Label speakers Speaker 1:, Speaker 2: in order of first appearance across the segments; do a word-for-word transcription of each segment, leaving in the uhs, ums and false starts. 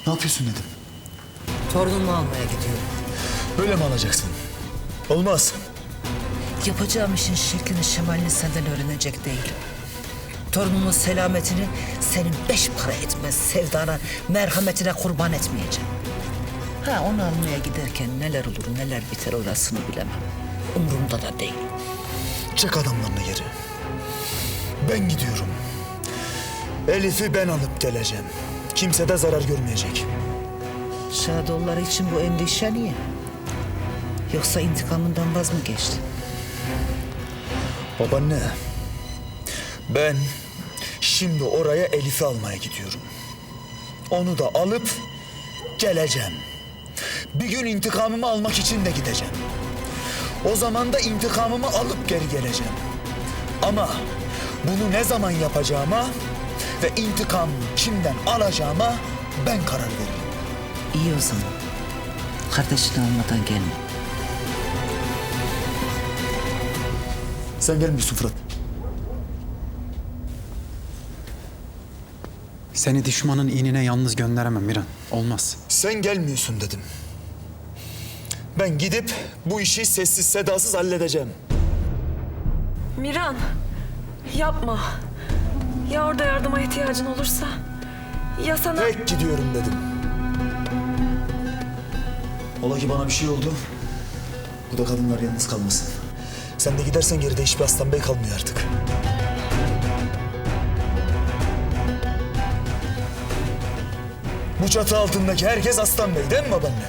Speaker 1: Ne yapıyorsun dedim.
Speaker 2: Torunumu almaya gidiyorum.
Speaker 1: Böyle mi alacaksın? Olmaz.
Speaker 2: Yapacağım işin şeklini şemalini senden öğrenecek değilim. Torunumun selametini senin beş para etmez sevdana, merhametine kurban etmeyeceğim. Ha, onu almaya giderken neler olur neler biter orasını bilemem. Umurumda da değil.
Speaker 1: Çek adamlarını geri. Ben gidiyorum. Elif'i ben alıp geleceğim. Kimse de zarar görmeyecek.
Speaker 2: Şadoğulları için bu endişe niye? Yoksa intikamından vaz mı geçti?
Speaker 1: Babaanne, ben şimdi oraya Elif'i almaya gidiyorum. Onu da alıp geleceğim. Bir gün intikamımı almak için de gideceğim. O zaman da intikamımı alıp geri geleceğim. Ama bunu ne zaman yapacağıma ve intikamımı kimden alacağıma ben karar veririm.
Speaker 2: İyi o zaman. Kardeşini almadan gelme.
Speaker 1: Sen gelmiyorsun Fırat.
Speaker 3: Seni düşmanın inine yalnız gönderemem Miran. Olmaz.
Speaker 1: Sen gelmiyorsun dedim. Ben gidip bu işi sessiz sedasız halledeceğim.
Speaker 4: Miran, yapma. Ya orada yardıma ihtiyacın olursa? Ya sana...
Speaker 1: Tek gidiyorum dedim. Ola ki bana bir şey oldu. Bu da kadınlar yalnız kalmasın. Sen de gidersen geride hiçbir Aslan Bey kalmıyor artık. Bu çatı altındaki herkes Aslan Bey değil mi babaanne?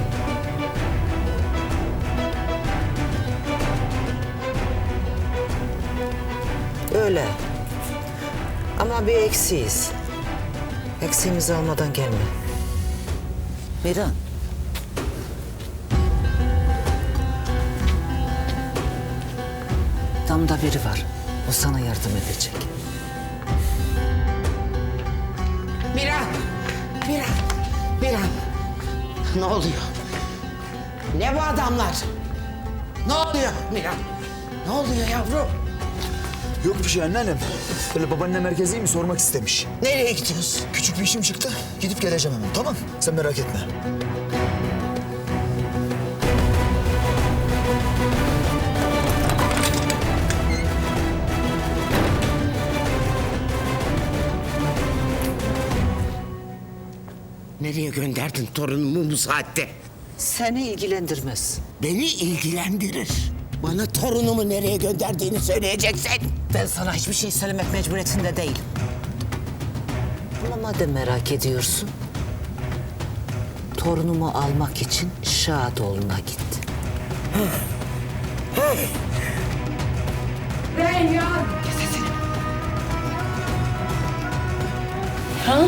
Speaker 2: Öyle. Ama bir eksiyiz. Eksiğimizi almadan gelme. Miran. Damda biri var. O sana yardım edecek.
Speaker 5: Miran! Miran! Miran! Ne oluyor? Ne bu adamlar? Ne oluyor Miran? Ne oluyor yavrum?
Speaker 1: Yok bir şey anneannem. Böyle babaanne merkezi mi sormak istemiş.
Speaker 5: Nereye gidiyorsun?
Speaker 1: Küçük bir işim çıktı. Gidip geleceğim hemen, tamam? Sen merak etme.
Speaker 5: Nereye gönderdin torunumu bu saatte?
Speaker 2: Seni ilgilendirmez.
Speaker 5: Beni ilgilendirir. Bana torunumu nereye gönderdiğini söyleyeceksin.
Speaker 2: Ben sana hiçbir şey söylemek mecburiyetinde değilim. Ama madem merak ediyorsun... torunumu almak için Şadoğlu'na gitti.
Speaker 5: Reyhan!
Speaker 4: Ha?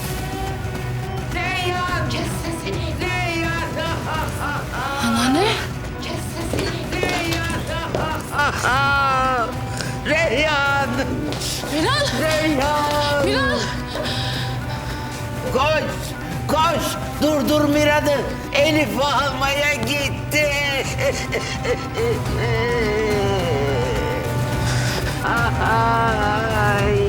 Speaker 5: Reyhan! Kes sesini! Reyhan!
Speaker 4: Anneanne?
Speaker 5: Kes sesini! Reyhan! Reyhan!
Speaker 4: Miran!
Speaker 5: Reyhan!
Speaker 4: Miran!
Speaker 5: Koş! Koş! Durdur Miran'ı! Elif'i almaya gitti! Ay!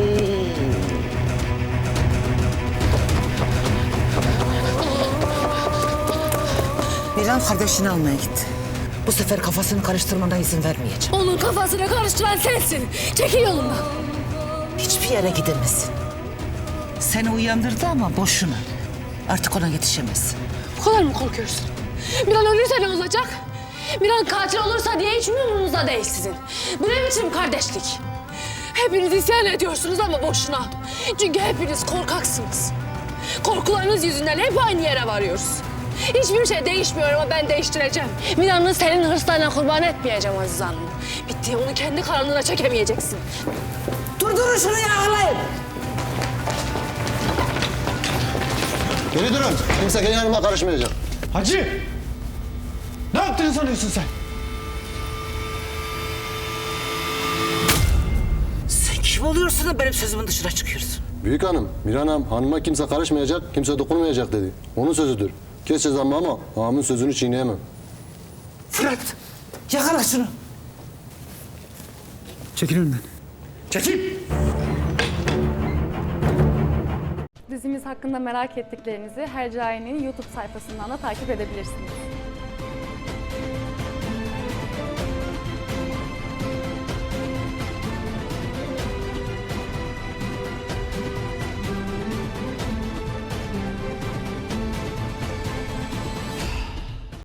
Speaker 2: Miran kardeşini almaya gitti. Bu sefer kafasını karıştırmana izin vermeyeceğim.
Speaker 6: Onun kafasını karıştıran sensin. Çekil yolundan.
Speaker 2: Hiçbir yere gidemezsin. Seni uyandırdı ama boşuna. Artık ona yetişemezsin.
Speaker 6: Bu kadar mı korkuyorsun? Miran ölürse ne olacak? Miran katil olursa diye hiç mi umurunuzda değil sizin? Bu ne biçim kardeşlik? Hepiniz isyan ediyorsunuz ama boşuna. Çünkü hepiniz korkaksınız. Korkularınız yüzünden hep aynı yere varıyoruz. Hiçbir şey değişmiyor ama ben değiştireceğim. Miran'ı senin hırslarına kurban etmeyeceğim Aziz Hanım. Bitti, onu kendi karanlığına çekemeyeceksin.
Speaker 2: Durdurun şunu yağlayın.
Speaker 7: Geri durun. Kimse gelin hanıma karışmayacak.
Speaker 3: Hacı! Ne yaptığını sanıyorsun sen?
Speaker 2: Sen kim oluyorsun da benim sözümün dışına çıkıyorsun?
Speaker 7: Büyük hanım, Miran Hanım hanıma kimse karışmayacak, kimse dokunmayacak dedi. Onun sözüdür. Kes cezamı ama ağamın sözünü çiğneyemem.
Speaker 2: Fırat, yakala şunu.
Speaker 3: Çekil önümden.
Speaker 1: Çekil!
Speaker 8: Dizimiz hakkında merak ettiklerinizi Hercai'nin YouTube sayfasından da takip edebilirsiniz.